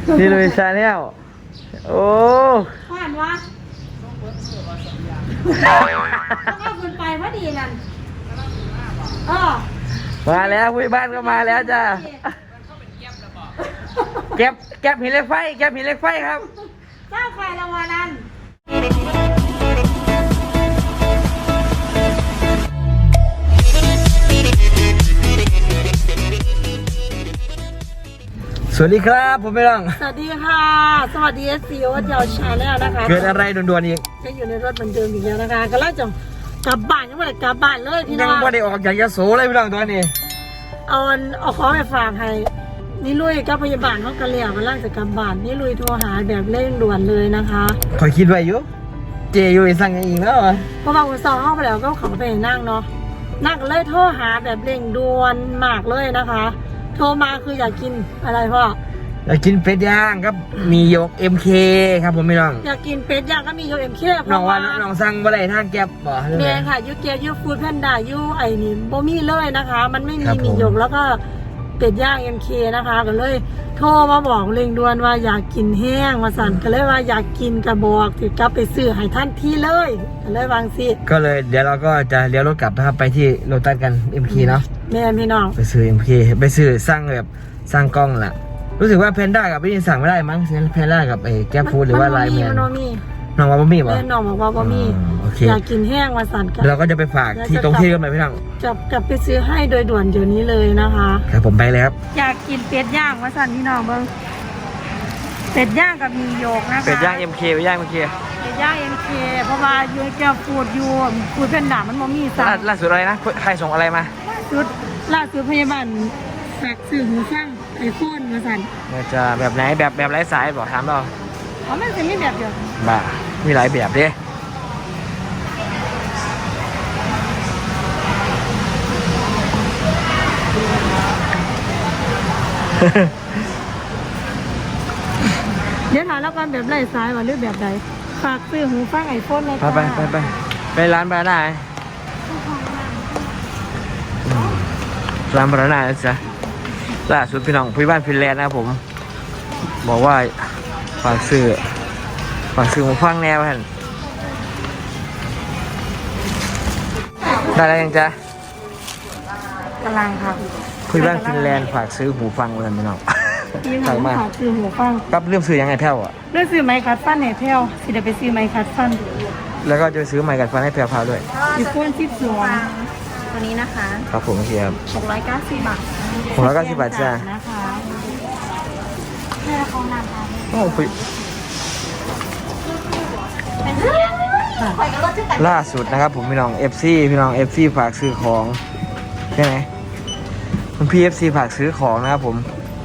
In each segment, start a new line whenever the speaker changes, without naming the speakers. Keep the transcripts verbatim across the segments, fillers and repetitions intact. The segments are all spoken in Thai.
นี่ลุยชาแนลโอ้
ผ่านวะต้องเอาคุณไปพอดีนั่นเออ
มาแล้วผู้บ้านก็มาแล้วจ้าแก็บแก็บหินเหล็กไฟแก็บหินเหล็กไฟครับ
เจ้าใครละวันนั้น
สวัสดีครับผมไม่ต้อง
สวัสดีค่ะสวัสดีเอสซีโอเจ้าชาแนลนะคะ
เกิดอะไรด่วนๆอีก
ก็อยู่ในรถเหมือนเดิมอีกแล้วนะคะก็แล้วจะกลับบ้านยังไม่ได้กลับบ้านเลยพี่น้อง
ยังไม่ได้ออกจากยโสเลยพี่น้องตัวนี้
เอาเอาของไปฝากให้นี่ลุยกับพยาบาลเขากระเลียกันล่างจากกลับบ้านนี่ลุยโทรหาแบบเร่งด่วนเลยนะคะ
คอยคิดไว้อยู่เจอยู่สั่งอีกแล้ว
เพราะว่าอุตส่าห์เข้าไปแล้วก็เขาไปนั่งเนาะนั่งเลยโทรหาแบบเร่งด่วนมากเลยนะคะโทรมาคืออยากกินอะไรพ่อ
อยากกินเป็ดย่างครับมียก เอ็ม เค ครับผมพี่น้อง
อยากกินเป็ดย่างก็มียก เอ็ม เค
น้องว่าน้องสั่งบ่ได้ทางแก๊บบ่
เมียค่ะยูเกียยูฟู้ดแพนด้ายูไอ้นี่บ่มีเลยนะคะมันไม่มีมียกแล้วก็เป็ดย่าง เอ็ม เค นะคะก็เลยโทรมาบอกเร่งด่วนว่าอยากกินแห้งมาสั่นก็เลยว่าอยากกินกระบอกติดกลับไปซื้อให้ท่านที่เลยก็เลยวางสิ
ก็เลยเดี๋ยวเราก็จะเลี้ยวรถกลับนะครับไปที่โลตัสกัน เอ็ม เค เนาะ
แม่พี่น้อง
ไปซื้อ เอ็ม เค ไปซื้อสร้างแบบสร้างกล้องล่ะรู้สึกว่าเพนด้ากับพี่สั่งไม่ได้มั้งเพนด้ากับไอ้แก๊ปฟู้ดหรือว่าไลน์แมนน้องว่าบะหมี่ป่ะ
น้องบอกว่าบะหมี่อยากกินแห้งมาสั่นกัน
เราก็จะไปฝากที่ตรงที่กันไหมพี่น้อง
จะกลับไปซื้อให้โดยด่วนเดี๋ยวนี้เลยนะคะ
ครับผมไปแล้วครับ
อยากกินเป็ดย่างมาสั่นพี่น้องเบิ้งเป็ดย่างกับมีโยกนะคะ
เป็ดย่าง เอ็ม เค ไปย่าง เอ็ม เค
เป็ดย่าง เอ็ม เค เพราะว่ายูแก้วฟูดยูฟูดเพนด้ามันบะหมี่สั่ง
ล่าสุดอะไรนะใครส่งอะไรมา
ล่าสุดล่าสุดพยาบาลฝากซื้อหูฟังไอโฟนมาสั่น
จะแบบไหนแบบแบบไร้สายบอกถามเรา
อ๋อมันจะมีแบบเดียว
บ้ามีหลายแบบดิ
เดี๋ยวถามแล้วกันแบบไร้สายว่าหรือแบบใดฝากซื้อหูฟังไอโฟนเลย
ไปไปไปไปร้านบานาน่าร้านบานาน่าจ้ะล่าสุดพี่น้องพี่บ้านฟินแลนด์นะครับผมบอกว่าฝากซื้อฝากซื้อหูฟังแนวท่านได้แล้วยังจ๊ะ
กำลังครับ
พี่บ้านฟินแลนด์ฝากซื้อหูฟังเลยพี่น้อง
ฝากมาฝากซื้อหูฟัง
กับเรื่องซื้อยังไงแพ้วอ่ะ
เรื่องซื้อไมค์คัดฟันให้แพ้วสิเดี๋ยวไปซื้อไมค์คัดฟัน
แล้วก็จะซื้อไมค์คัดฟันให้แพ้วพาด้วย
อีโฟนสิบสองตัวนี้นะคะ
ครับผมเทียบ
หกร้อยเก้าสิบบาท
หกร้อยเก้าสิบบาทจ้า
นะคะแค่เขานำมา
โอ้คุยล่าสุดนะครับผมพี่น้อง เอฟ ซี พี่น้อง เอฟ ซี ฝากซื้อของใช่ไหมคุณพี่ เอฟ ซี ฝากซื้อของนะครับผม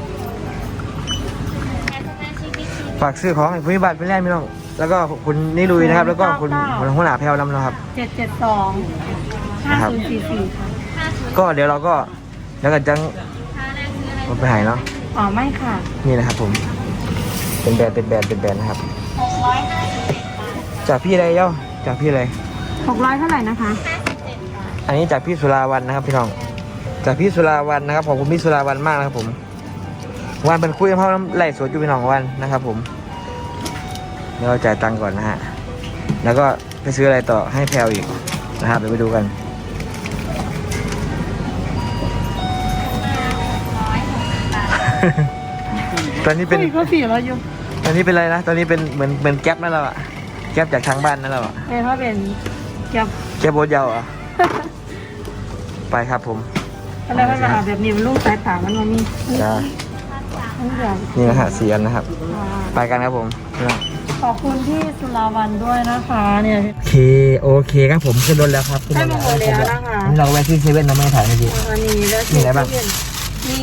ฝากซื้อของให้ผู้บัตรเป็นแรกพี่น้องแล้วก็คุณนิลุยนะครับแล้วก็คุณหัวหน้าแพลวนำนะครับ
เจ็ดเจ็ดสองห้าศูนย์สี่สี่
ก็เดี๋ยวเราก็แล้วก็จังไปหายเนาะ
อ๋อไม่ค่ะ
นี่นะครับผมเป็นแบรนด์เป็นแบรนด์เป็นแบรนด์นะครับ
หกร้อยห้าสิบ
จากพี่อะไรเย้าจากพี่อะไร
หกร้อยเท่าไหร่นะคะ
อันนี้จากพี่สุราวันนะครับพี่น้องจากพี่สุราวันนะครับขอบคุณพี่สุราวันมากนะครับผมวันเป็นคุยกับเขาไล่สดอยู่พี่น้องวันนะครับผมเดี๋ยวเราจ่ายตังค์ก่อนนะฮะแล้วก็ไปซื้ออะไรต่อให้แพลวอีกนะครับเดี๋ยวไปดูกันตอนนี้เป็น
ก็สี่ร้อยอยู่
ตอนนี้เป็นอะไรนะตอนนี้เป็นเหมือนเหมือนแก๊ปนั่นแล้วอะแก๊ปจากทางบ้านนั่นแล้วอะ
เป็นเพราะเป็นแก๊ป
แก๊ปโบยาวอะไปครับผม
อะไรก็จะแบบนี้มันลูกสายตามันมันมี
จ้านี่นะฮะสี่อันนะครับไปกันครับผม
ขอบคุณที่สุราวันด้วยนะคะเนี่ย
โอเคโอเคครับผมขึ้นรถแล้วครับ
ขึ้นรถแล้วนะคะ
เราแวะที่เซเว่นเราไม่ถ่ายเมื่อกี้
อันนี้แล้ว
มีอะไรบ้าง
มี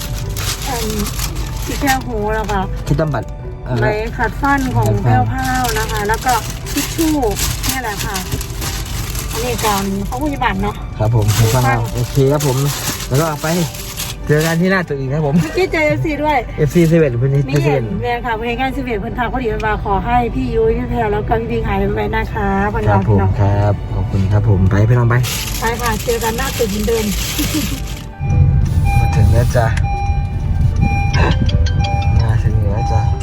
ที่แก้วหูแล้วค่ะ
ที่ต้มบัตร
ไม้ขัดฟันของแพ้วพ้าวนะคะแล้วก็ทิชชู่นี่แหละค่ะอันนี้ก่อนเขาผู้ยิบัตรเนาะ
ครับผมหูฟังเราโอเคครับผมแล้วก็ไปเจอกันที่หน้าตึกอีกครับผม
ที่เจอเอฟซีด้วย
เอฟซีเซเว่นพื้นที่เซเว่น
แม่ค่ะเพื่อนกันเซเว่นเพื่อนทางพอดีมันมาขอให้พี่ยุ้ยพี่แพรแล้วก็พี่พิงหายไปนะคะ
พันเราพี่น้องครับขอบคุณครับผมไปพี่น้องไป
ไปค่ะเจอกันหน้าตึกเหมือนเดิม
มาถึงแล้วจ้ะมาถึงแล้วจ้ะ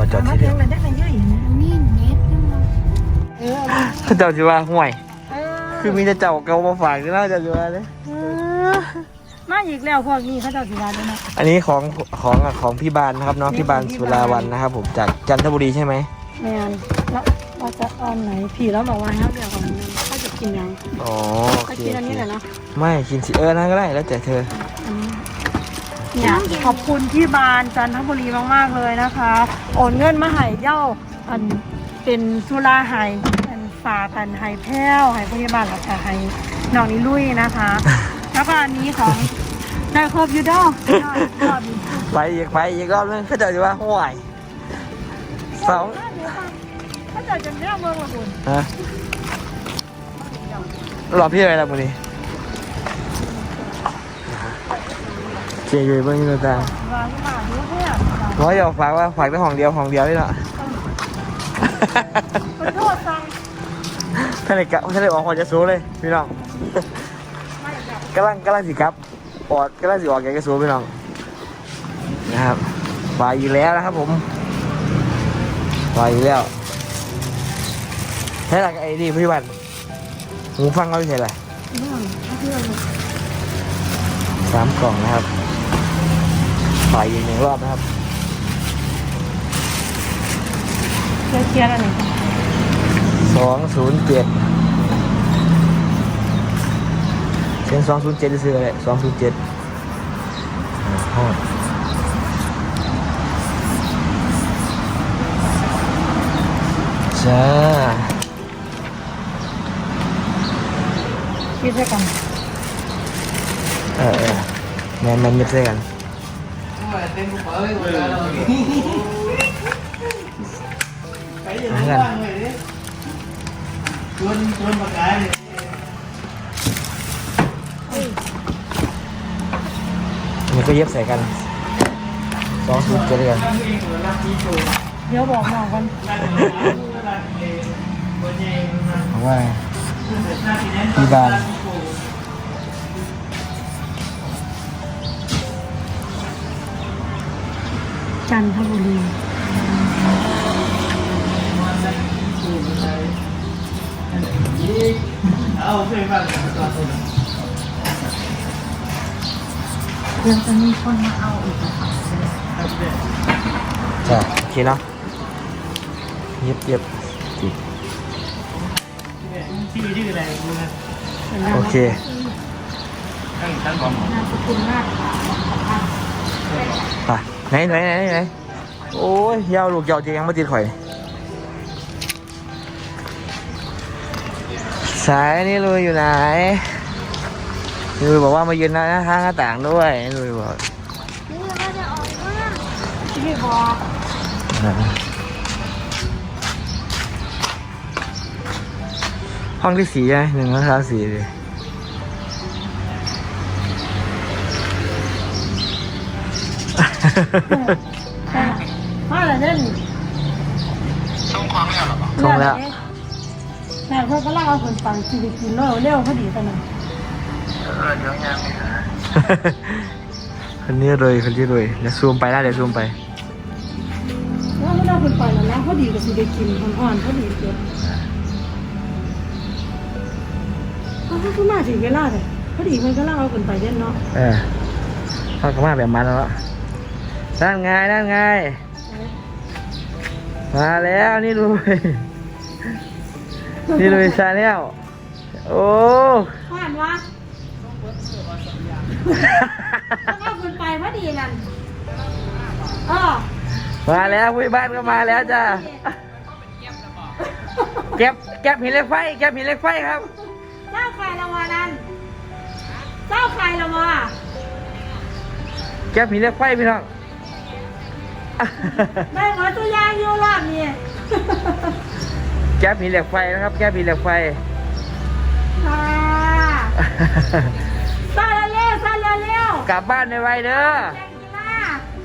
จอด
มา
ที่
เพี
เดี
ย
ย
ง
ว
เลยได้ไหมเยอะอย่างนี้
นี่เน็ตนึงนะ
เออ
เขาเจ้าจะว่าห่วย
เออ
คือมีแต่เจ้าเก่ามาฝากที่น่าจะจะว่าเลย
มาอีกแล้วพวกนี้เขาจะสิว่าด้วยนะ
อันนี้ของของของพี่บานนะครับเนาะพี่บานสุราวันนะครับ ผมจากจันทบุรีใช่ไหม
แมนแล้วเราจะเอาไหนผีแล้วบอกว่าให้เขาเลือกก่อนนึงเขาจะกินยัง
อ๋อโอ
ก็
เค
กินอันนี้แหละเนาะ
ไม่กินสิเออนั่นก็ได้แล้วแต่เธอ
อันนี้เนี่ยขอบคุณพี่บานจันทบุรีมากๆเลยนะคะ โอนเงินมาให้เย้าอันเป็นสุราไห้อันฝากกันไห้แพ้วไห้พยาบาลแล้วก็ไห้น้องนิลุยนะคะ แล้วก็อันนี้ของนายครบยูดอลรอบนี้
ไปอีกไปอีกรอบนึงเขาเจ้าจะว่าห่วยสอง
เขาจะจะเรียกเมืองละบุญ
ฮะรอบพี่อะไรล่ะมึงนี่เจียอยู่เบื้องนี้ตา
วางมาดูเพื่อน
ร้อยอยากฝากว่าฝากแต่ห้องเดียวห้องเดียวนี่แหละ
ขอโทษฟัง
ท่านเลยกะท่านเลยออกหัวจะสู้เลยพี่น้องกำลังกำลังสิครับออดกำลังสิออกแกจะสู้พี่น้องนะครับไปอยู่แล้วนะครับผมไปอยู่แล้วใช่หลักไอ้นี่พี่วันหูฟังเขาไม่ใช่ไรสามกล่องนะครับไปอีกหนึ่งรอบนะครับ
เคลียร์เคลียร์อะไรกัน
สองศูนย์เจ็ดเส้นสองศูนย์เจ็ดซื้ออะไรสองศูนย์เจ็ดห้องจ้า
คิดด้วยกัน
เออเออแมนแมนมิดใส่กันหากันมันก็เย็บใส่กันสองศูนย์เจ็ดกัน
เดี๋ยวบอกน้องกัน
เอาว่าพี่บาน
จันทบุรีเดี๋ยวจะมีคนมาเอาอีกนะคะ
จ้ะโอเคเนาะเย็บเย็บจิโอเค
นามสกุลมากค่ะ
ไปไหนไหนไหนไหนโอ้ยยาวลูกยาวจริงยังไม่ติดข่อยสายนี่ลุยอยู่ไหนลุยบอกว่ามายืนหน้าห้างหน้าต่างด้วยลุยบอก
นี่เราจะออกมา
ที่บอก
ห้องที่สี่ใช่ไหมหนึ่งห้องที่สี่เลย
มาอะไรเล่น
ส่งแล้ว
แต่เพื่อนก็เล่าเอาคนฟังชีวิตกินเร็วเร็วพอดีตอนนั้น
คนนี้เลยคนนี้เลยเดี๋ยวซูมไปนะเดี๋ยวซูมไป
แล้วไม่ได้คนฟังแล้วนะพอดีกับชีวิตกินอ่อนๆพอดีเกินเขาเขามาถึงเวลาเลยพอดีมันก็เล่าเอาคนไปเล่นเนาะ
เออเข้าก็มาแบบมันแล้วนั่นไงนั่นไงมาแล้วนี่ลุยนี่ลุยชาแนลโอ้
ผ่านวะต้องเอาคนไปพอดีนั่นเออ
มาแล้วผู้ใหญ่บ้านก็มาแล้วจ้าเก็บเก็บหินเหล็กไฟเก็บหินเหล็กไฟครับ
เจ้าใครละวะนั่นเจ้าใครละวะ
เก็บหินเหล็กไฟพี่น้อง
ได้หมดตัวยางอยู่รอบนี้
แก๊บหินเหล็กไฟนะครับแก๊บหินเหล็กไฟ
ค่ะซาเร็วซาเร็ว
กลับบ้านในไวเด้อ
แจงกีฬา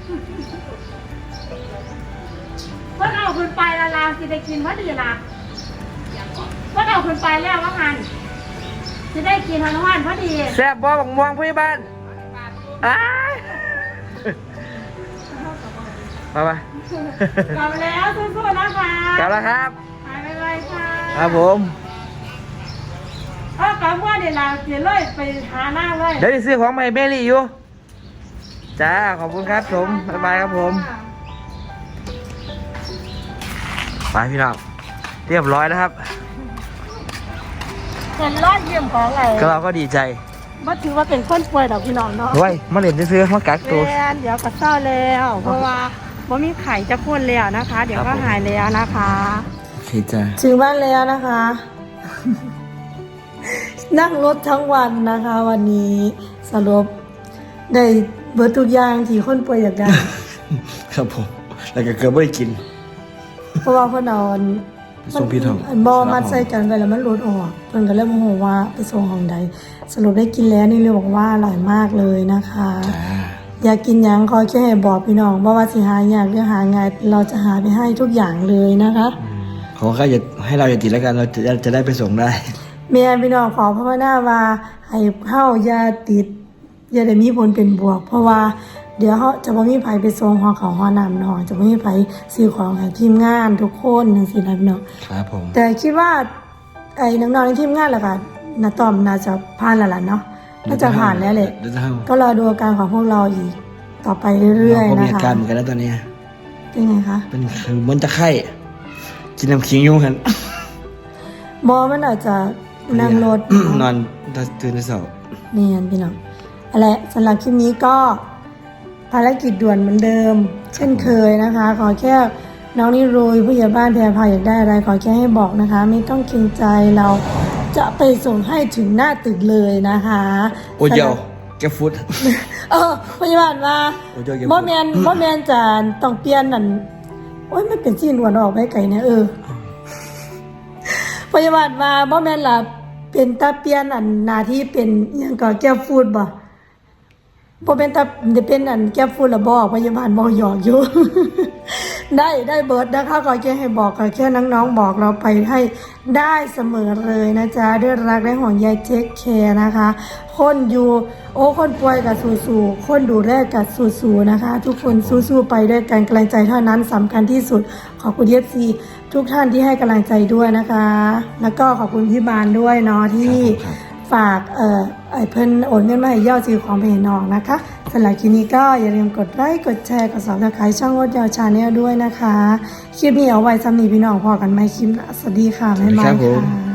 เพิ่นเอาคุณไปละลาสิได้กินพอดีละเพิ่นเอาคุณไปแล้วว่างันจะได้กินทันวันพอดี
แซ่บบ่บักม่วงผู้ใหญ่บ้านอ้ายมาปะ
กลับแล้วสู้ๆนะคะ
กลับแล้วครับ
หายไวๆค่ะ
ครับผม
เออกลับว่าเดี๋ยวเราเดี๋ยวเลยไปหาหน้าเลย
เดี๋ยวจะซื้อของใหม่เบลลี่อยู่จ้าขอบคุณครับผมบ๊ายบายครับผมไปพี่น้องเรียบร้อยแล้วครับ
เป็นรอดเยี่ยมของไง
ก็เราก็ดีใจ
ว่าถือว่าเป็นคนป่วยดอกพี่น้องเนาะ
เฮ้ยมาเล่นซื้อๆมากักตัว
แม่นเดี๋ยวก็เศร้าแล้ว เพราะว่าว่ามีไข่จะพ่นแล้วนะคะ เดี๋ยวก็หายแล้วนะคะ
โอเคจ้า
ถึงบ้านแล้วนะคะ นั่งรถทั้งวันนะคะ วันนี้สรุปได้เบิร์ทุกอย่างที่คนป่วยอยากได้
ครับผมแล้วก็เกือบไม่ได้กิน
เพราะว่าเพื่อนเอาอัน
ไปส่งพี่ทอง
นบอมัดใส่กันไปแล้วมันหลุดออกเพื่อนก็เลยโมโหว่าไปส่งของใดสรุปได้กินแล้วนี่เลยบอกว่าอร่อยมากเลยนะคะ
จ้า
อยากกินหยังขอแค่ให้บอกพี่น้องว่าว่าสิหาอยากหรือหาไงเราจะหาไปให้ทุกอย่างเลยนะคะ
ขอแค่อย่าให้เราอย่าติดแล้วกันเราจะจะได้ไปส่งได้
เมียพี่น้องขอพระนาว่าให้เข้าอย่าติดอย่าได้มีผลเป็นบวก เพราะว่าเดี๋ยวเขาจะไม่มีไผไปส่งหอเขาหอนำเนาะจะไม่มีไผซื้อของให้ทีมงานทุกคนจังซี่นะพี่น้อง
ครับผม
แต่คิดว่าไอ้น้องๆในทีมงานแหละค่ะนาตอมน่าจะผ่านแล้วล่ะเนาะน่าจะผ่านแล้วแหละ
เดี๋ยวจะทำ
ก็รอดูอาการของพวกเราอีกต่อไปเรื่อย
ผม
ๆ
มี
นะ
อา
คะ
การเหมือนกันนะตอนนี้
เป็นไงคะ
เป็นเหมือนจะไข้กินน้ำขิงอยุ่งกัน
บอมันอาจจะนั่งรถ
นอนตื่นในเสาร์
เนียนพี่น้องอะไรสำหรับคลิปนี้ก็ภารกิจด่วนเหมือนเดิม เช่นเคยนะคะ ขอแค่น้องนิรุยผู้ใหญ่บ้านแพรพาอยากได้อะไรขอแค่ให้บอกนะคะ ไม่ต้องเกรงใจเราจะไปส่งให้ถึงหน้าตึกเลยนะคะ
โอ้ยเดี๋ยวแกฟุต
เออพยาบาลมา
โอ้ยเดี๋ยวเดี๋ยว
บ่แมนบ่แมนจะต้องเปลี่ยนนั่นโอ้ยไม่เป็นที่หนวดออกไปไกลนะเออพยาบาลมาบ่แมนล่ะเป็นตาเปลี่ยนอันหน้าที่เป็นอิหยังก็แก้ฟูดบ่บ่เป็นตาเป็นอันแก้ฟูดละบ่พยาบาลบ่หยอกอยู่ ได้ได้เบิร์ดนะคะขอแค่ให้บอกขอแค่น้องๆบอกเราไปให้ได้เสมอเลยนะจ๊ะด้วยรักและห่วงใยเทคแคร์นะคะ คนอยู่โอ้คนป่วยกับสู้ๆคนดูแลกับสู้ๆนะคะ ทุกคนสู้ๆไปด้วยกันกำลังใจเท่านั้นสำคัญที่สุดขอบคุณเอฟซีทุกท่านที่ให้กำลังใจด้วยนะคะ แล้วก็ขอบคุณพี่บานด้วยเนาะที่ฝากเอ่อไอ้เพิ่นโอนเงินมาให้ยอดซื้อของไปให้น้องนะคะสำหรับคลิปนี้ก็อย่าลืมกดไลค์กดแชร์กดซับสไครต์ช่องวดยาวชาแนลด้วยนะคะคลิปนี้เอาไว้สำหรับพี่น้องพอกันไหมคลิปหน้าสวัสดีค่ะบ๊ายบายค่ะ